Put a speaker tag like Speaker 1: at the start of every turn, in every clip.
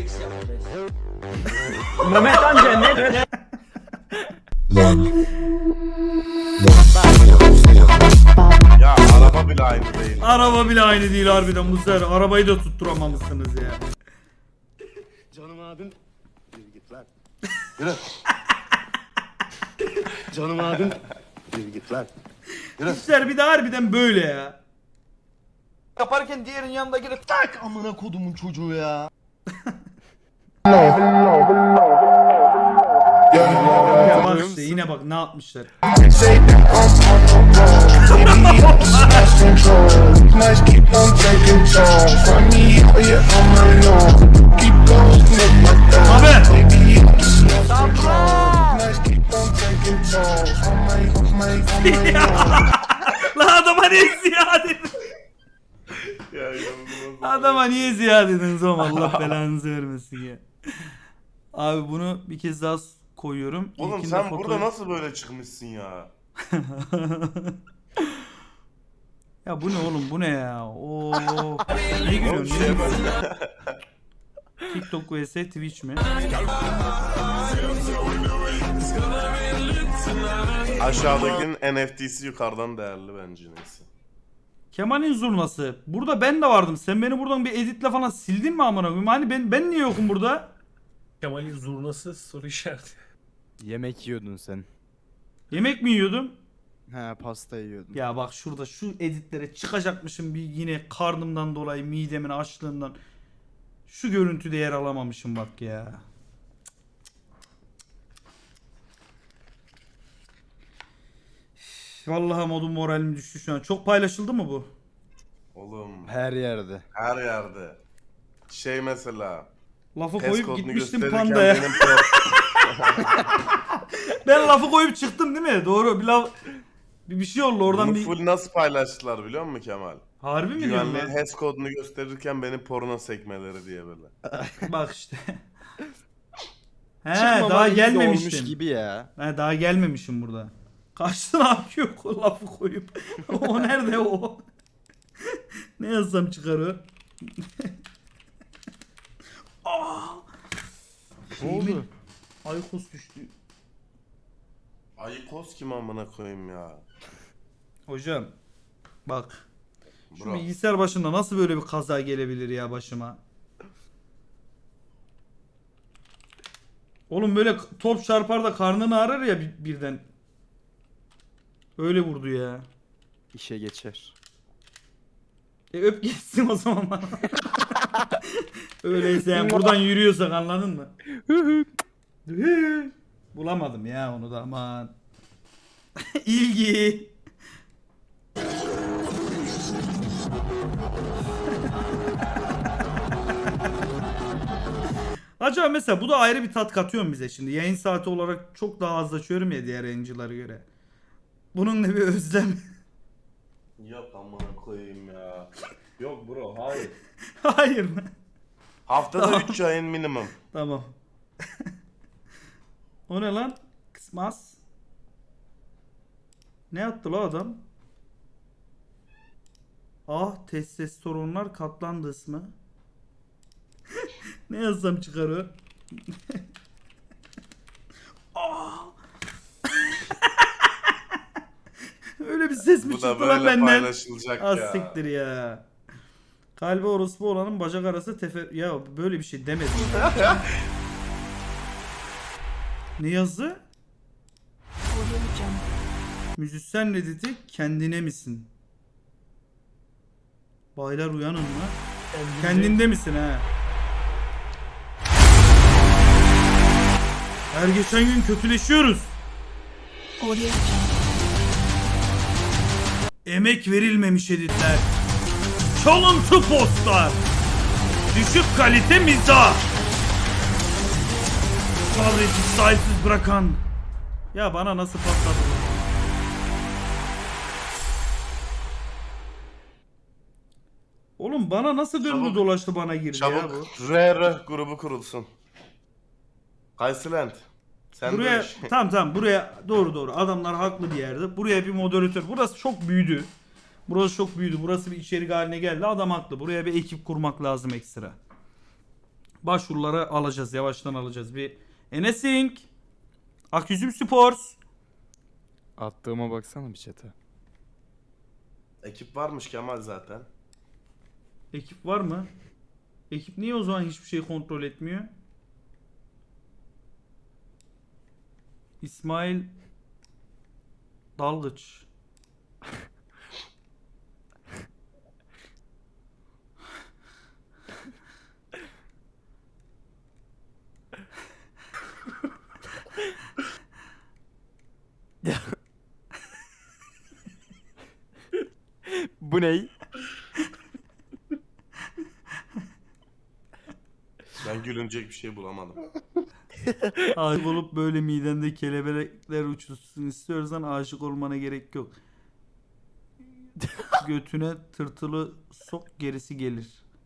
Speaker 1: Mehmet amca ne?
Speaker 2: Ya araba bile aynı değil.
Speaker 3: Araba bile aynı değil harbiden bu sefer. Arabayı da tutturamamışsınız ya.
Speaker 4: Canım abim. Yürü git lan.
Speaker 2: Yürü.
Speaker 4: Canım abim. Yürü git lan.
Speaker 3: İşler bir de harbiden böyle ya.
Speaker 5: Yaparken diğerinin yanında girip tak amına kodumun çocuğu ya.
Speaker 3: Bak işte yine bak ne yapmışlar. Abi. Lan adama niye ziya dedin?
Speaker 2: Ya inanılmaz.
Speaker 3: Adama niye ziya dediniz oğlum, Allah belanızı vermesin ya. Abi bunu bir kez daha koyuyorum.
Speaker 2: Oğlum
Speaker 3: İlkinde
Speaker 2: sen
Speaker 3: fotoğraf-
Speaker 2: burada nasıl böyle çıkmışsın ya?
Speaker 3: Ya bu ne oğlum, bu ne ya? Oo. Ne gülüyorsun? Ne gülüyorsun? TikTok vs Twitch mi?
Speaker 2: Aşağıdakinin NFT'si yukarıdan değerli bence neyse.
Speaker 3: Kemal'in zurnası. Burada ben de vardım. Sen beni buradan bir editle falan sildin mi amına koyayım? Hani ben niye yokum burada?
Speaker 1: Kemal'in zurnası soru işareti.
Speaker 6: Yemek yiyordun sen.
Speaker 3: Yemek mi yiyordum?
Speaker 6: He, pasta yiyordun.
Speaker 3: Ya bak şurada şu editlere çıkacakmışım bir yine karnımdan dolayı, midemin açlığından. Şu görüntüde yer alamamışım bak ya. Vallahi modum moralim düştü şu an. Çok paylaşıldı mı bu?
Speaker 2: Oğlum
Speaker 6: Her yerde.
Speaker 2: her yerde. Şey mesela.
Speaker 3: Lafı
Speaker 2: PES
Speaker 3: koyup
Speaker 2: kodunu
Speaker 3: gitmiştim
Speaker 2: gösterirken
Speaker 3: pandaya.
Speaker 2: benim
Speaker 3: Ben lafı koyup çıktım değil mi? Doğru. Bir şey oldu oradan
Speaker 2: Bunu
Speaker 3: bir...
Speaker 2: full nasıl paylaştılar biliyor musun Kemal?
Speaker 3: Harbi mi diyorsun
Speaker 2: Güvenli
Speaker 3: lan?
Speaker 2: HES kodunu gösterirken benim porno sekmeleri diye böyle.
Speaker 3: Bak işte. He
Speaker 6: Çıkmama
Speaker 3: daha
Speaker 6: iyi de olmuş
Speaker 3: gelmemiştim.
Speaker 6: gibi ya.
Speaker 3: He daha gelmemişim burada. Kaçtı ne yapıyor o lafı koyup. O nerede o? Ne yazsam çıkar o?
Speaker 6: Ne oldu?
Speaker 3: Aykos düştü.
Speaker 2: Ayıkos kim amına koyayım ya.
Speaker 3: Hocam bak. Şu
Speaker 2: Bro.
Speaker 3: bilgisayar başında nasıl böyle bir kaza gelebilir ya başıma? Oğlum böyle top çarpar da karnını ağrır ya birden. Öyle vurdu ya.
Speaker 6: İşe geçer.
Speaker 3: Öp geçsin o zaman bana. Öyleyse yani buradan yürüyorsak anladın mı? Bulamadım ya onu da aman. İlgi. Acaba mesela bu da ayrı bir tat katıyor mu bize şimdi? Yayın saati olarak çok daha az açıyorum ya diğer yayıncılara göre. Bunun ne bir özlem.
Speaker 2: Yok amına koyayım ya. Yok bro hayır.
Speaker 3: Hayır mı?
Speaker 2: Haftada 3 yayın minimum.
Speaker 3: Tamam. O ne lan? Kısmaz. Ne yaptı la adam? Ah testosteronlar katlandı ismi. Ne yazsam çıkar o? Ah! Öyle bir ses mi
Speaker 2: Bu da
Speaker 3: çıktı lan
Speaker 2: böyle
Speaker 3: benden?
Speaker 2: paylaşılacak
Speaker 3: Az
Speaker 2: ya.
Speaker 3: siktir ya. Kalbi orospu olanın bacak arası tefer... Ya böyle bir şey demedim. Ne yazdı? Müzisyen ne dedi? Kendine misin? Baylar uyanın mı? Kendinde misin ha? Her geçen gün kötüleşiyoruz. Emek verilmemiş editler. Çalıntı postlar. Düşük kalite mizah. Sabreci sahipsiz bırakan. Ya bana nasıl patladı bu? Oğlum bana nasıl döndü
Speaker 2: Çabuk.
Speaker 3: dolaştı bana girdi ya bu.
Speaker 2: Çabuk RR grubu kurulsun. Kaysland. Sen
Speaker 3: Buraya
Speaker 2: de iş.
Speaker 3: tamam buraya doğru adamlar haklı bir yerde. Buraya bir moderatör. Burası çok büyüdü. Burası çok büyüdü. Burası bir içerik haline geldi. Adam haklı. Buraya bir ekip kurmak lazım ekstra. Başvuruları alacağız. Yavaştan alacağız. Bir Enesink. Aküzüm Sports.
Speaker 6: Attığıma baksana bir chat'e.
Speaker 2: Ekip varmış Kemal zaten.
Speaker 3: Ekip var mı? Ekip niye o zaman hiçbir şey kontrol etmiyor? İsmail Dalgıç.
Speaker 6: Bu ney?
Speaker 2: Ben gülünecek bir şey bulamadım.
Speaker 3: Aşık olup böyle midende kelebekler uçuşsun istiyorsan aşık olmana gerek yok. Götüne tırtılı sok gerisi gelir.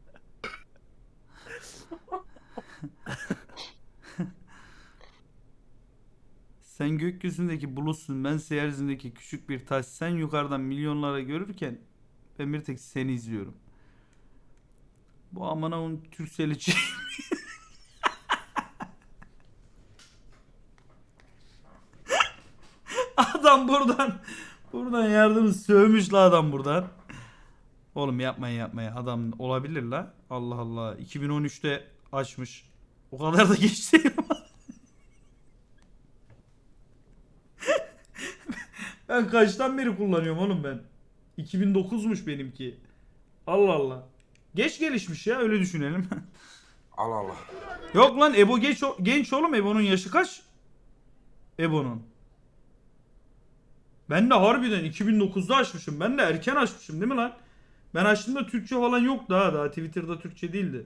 Speaker 3: Sen gökyüzündeki bulutsun, ben yeryüzündeki küçük bir taş. Sen yukarıdan milyonlara görürken ben bir tek seni izliyorum. Bu amına onun Türkcell'ci. Adam buradan yardımı sövmüş la adam buradan. Oğlum yapmayın adam olabilir la. Allah Allah 2013'te açmış. O kadar da geç değil ama. Ben kaçtan beri kullanıyorum oğlum ben. 2009'muş benimki. Allah Allah. Geç gelişmiş ya öyle düşünelim.
Speaker 2: Allah Allah.
Speaker 3: Yok lan Ebo genç oğlum, Ebo'nun yaşı kaç? Ebo'nun. Ben de harbiden 2009'da açmışım. Ben de erken açmışım değil mi lan? Ben açtığımda Türkçe falan yoktu ha. Daha Twitter'da Türkçe değildi.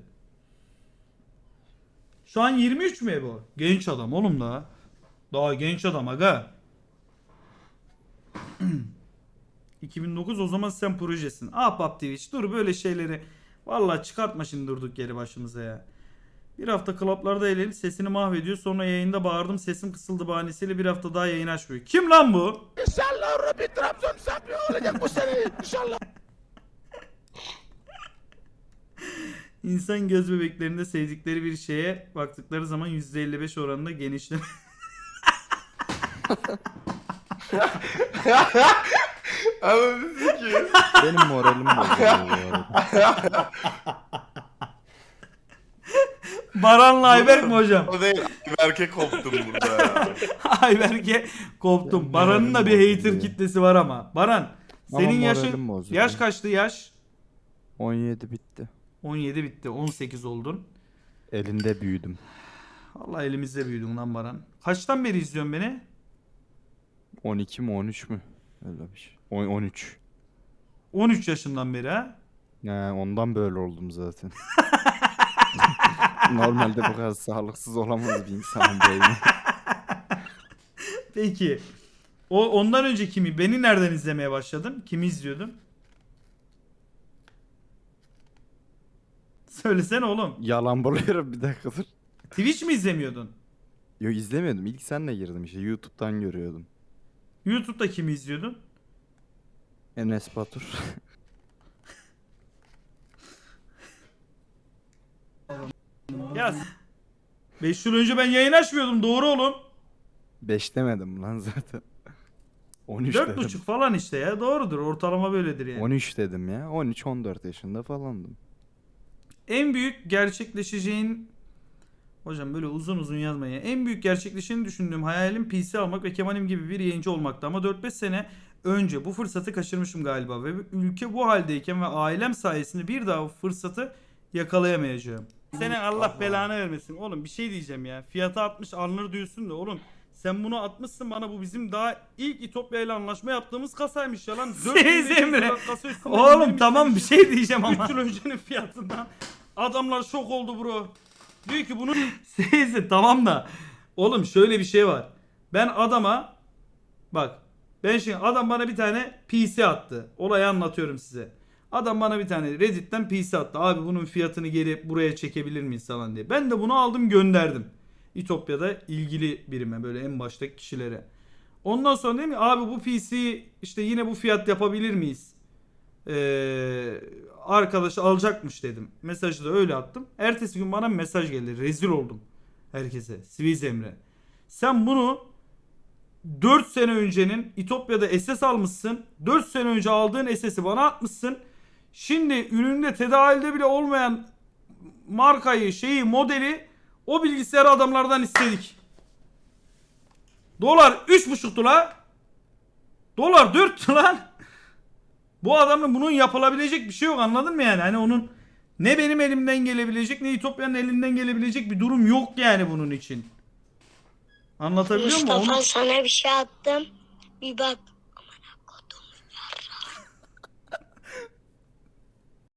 Speaker 3: Şu an 23 mü Ebo? Genç adam oğlum daha. Daha genç adam aga. 2009 o zaman sen projesin. Ahbap Twitch dur böyle şeyleri. Vallahi çıkartma şimdi durduk yeri başımıza ya. Bir hafta klaplarda eğlenip sesini mahvediyor. Sonra yayında bağırdım sesim kısıldı bahanesiyle bir hafta daha yayın açmıyor. Kim lan bu?
Speaker 5: İnşallah Rabbi Trabzon şampiyon olacak bu sene. İnşallah.
Speaker 3: İnsan göz bebeklerinde sevdikleri bir şeye baktıkları zaman %55 oranında genişleme.
Speaker 2: Anladın ki.
Speaker 6: Benim moralim bozuldu bu arada.
Speaker 3: Baran'la Ayberk mi hocam?
Speaker 2: O değil. Berke koptum burada ya.
Speaker 3: Ayberk'e koptum. Baran'ın da bir hater kitlesi var ama. Baran senin
Speaker 6: Ama
Speaker 3: yaşın
Speaker 6: moralim bozuldu.
Speaker 3: yaş kaçtı yaş?
Speaker 6: 17 bitti.
Speaker 3: 17 bitti. 18 oldun.
Speaker 6: Elinde büyüdüm.
Speaker 3: Allah elimizde büyüdün lan Baran. Kaçtan beri izliyorsun beni?
Speaker 6: 12 mi 13 mü? Öyle bir şey. 13.
Speaker 3: 13 yaşından beri ha?
Speaker 6: Ondan böyle oldum zaten. Normalde bu kadar sağlıksız olamaz bir insanın beyni.
Speaker 3: Peki. Ondan önce kimi? Beni nereden izlemeye başladın? Kimi izliyordun? Söylesene oğlum.
Speaker 6: Yalan buluyorum bir dakikadır.
Speaker 3: Twitch mi izlemiyordun?
Speaker 6: Yok izlemiyordum. İlk senle girdim işte. YouTube'dan görüyordum.
Speaker 3: YouTube'da kimi izliyordun?
Speaker 6: Enes Batur.
Speaker 3: Ya 5 yıl önce ben yayın açmıyordum doğru oğlum.
Speaker 6: 5 demedim lan zaten. 13 dedim.
Speaker 3: 4,5 falan işte ya doğrudur ortalama böyledir yani.
Speaker 6: 13 dedim ya. 13-14 yaşında falandım.
Speaker 3: En büyük gerçekleşeceğin hocam böyle uzun uzun yazmayın. En büyük gerçekleşeceğini düşündüğüm hayalim PC almak ve Kemal'im gibi bir yayıncı olmaktı ama 4-5 sene önce bu fırsatı kaçırmışım galiba ve ülke bu haldeyken ve ailem sayesinde bir daha bu fırsatı yakalayamayacağım. Senin Allah belanı vermesin. Oğlum bir şey diyeceğim ya. Fiyatı 60 alınır diyorsun da oğlum sen bunu atmışsın bana bu bizim daha ilk İtopya ile anlaşma yaptığımız kasaymış ya lan. 400
Speaker 1: Emre.
Speaker 3: kasa üstünde
Speaker 1: Oğlum
Speaker 3: indirmiş
Speaker 1: tamam bir
Speaker 3: demişsin.
Speaker 1: şey diyeceğim ama.
Speaker 3: 3 yıl öncenin fiyatından. Adamlar şok oldu bro. Diyor ki bunu neyse tamam da. Oğlum şöyle bir şey var. Ben adama bak ben şimdi adam bana bir tane PC attı. Olayı anlatıyorum size. Adam bana bir tane Reddit'ten PC attı. Abi bunun fiyatını geri buraya çekebilir miyiz falan diye. Ben de bunu aldım gönderdim. İtopya'da ilgili birime böyle en baştaki kişilere. Ondan sonra dedim ki abi bu PC işte yine bu fiyat yapabilir miyiz? Arkadaş alacakmış dedim. Mesajı da öyle attım. Ertesi gün bana bir mesaj geldi. Rezil oldum herkese. Swiss Emre. Sen bunu 4 sene öncenin İtopya'da SS almışsın. 4 sene önce aldığın SS'i bana atmışsın. Şimdi üründe tedavülde bile olmayan markayı, şeyi, modeli o bilgisayarı adamlardan istedik. Dolar 3,5'tu la. Dolar 4'tü lan. Bu adamın bunun yapılabilecek bir şey yok, anladın mı yani? Hani onun ne benim elimden gelebilecek ne İtopya'nın elinden gelebilecek bir durum yok yani bunun için. Anlatabiliyor muyum?
Speaker 7: Mustafa sana bir şey attım. Bir bak.